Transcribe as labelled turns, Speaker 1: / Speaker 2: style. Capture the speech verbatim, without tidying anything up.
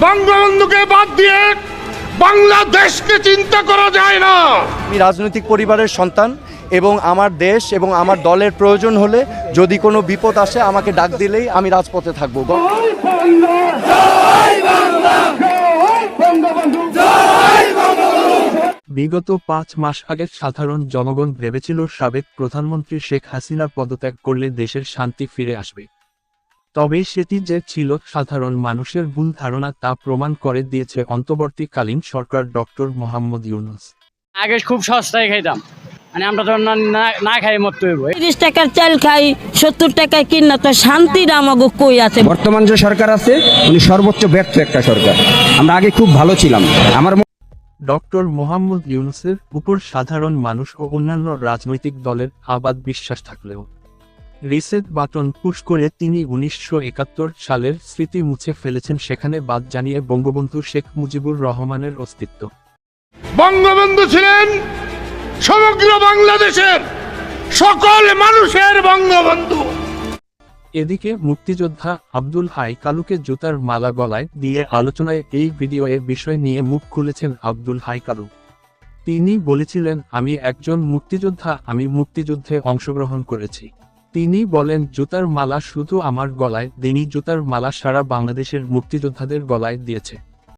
Speaker 1: বঙ্গবন্ধুকে বাদ দিয়ে বাংলাদেশকে চিন্তা করা যায় না।
Speaker 2: আমি রাজনৈতিক পরিবারের সন্তান এবং আমার দেশ এবং আমার দলের প্রয়োজন হলে যদি কোনো বিপদ আসে আমাকে ডাক দিলেই আমি রাজপথে থাকবো।
Speaker 3: বিগত পাঁচ মাস আগে সাধারণ জনগণ ভেবেছিল সাবেক প্রধানমন্ত্রী শেখ হাসিনা পদত্যাগ করলে দেশের শান্তি ফিরে আসবে। তবে সেটি যে ছিল সাধারণ মানুষের ভুল ধারণা তা প্রমাণ করে দিয়েছে অন্তর্বর্তীকালীন সরকার ডক্টর মোহাম্মদ ইউনূস।
Speaker 4: আগে খুব সস্তায় খাইতাম, মানে আমরা তো না খাই মরতে হইব।
Speaker 5: তিরিশ টাকার চাল খাই, সত্তর টাকায় কিনা তো শান্তির আমাকে কই আছে।
Speaker 6: বর্তমান যে সরকার আছে উনি সর্বোচ্চ ব্যর্থ একটা সরকার। আমরা আগে খুব ভালো ছিলাম। আমার
Speaker 3: ডক্টর মোহাম্মদ ইউনূসের উপর সাধারণ মানুষ ও অন্যান্য রাজনৈতিক দলের আবাদ বিশ্বাস থাকলেও রিসেট বাটন পুশ করে তিনি উনিশশো একাত্তর সালের স্মৃতি মুছে ফেলেছেন, সেখানে বাদ জানিয়ে বঙ্গবন্ধু শেখ মুজিবুর রহমানের অস্তিত্ব।
Speaker 1: বঙ্গবন্ধু ছিলেন সমগ্র বাংলাদেশের সকল মানুষের বঙ্গবন্ধু।
Speaker 3: এদিকে মুক্তিযোদ্ধা আব্দুল হাই কালুকে জুতার মালা গলায় দিয়ে আলোচনায় এই ভিডিওয়ে বিষয় নিয়ে মুখ খুলেছেন আব্দুল হাই কালু। তিনি বলেছিলেন, আমি একজন মুক্তিযোদ্ধা, আমি মুক্তিযুদ্ধে অংশগ্রহণ করেছি। তিনি বলেন, জুতার মালা শুধু আমার গলায় দেনি, জুতার মালা সারা বাংলাদেশের মুক্তিযোদ্ধাদের গলায় দিয়েছে।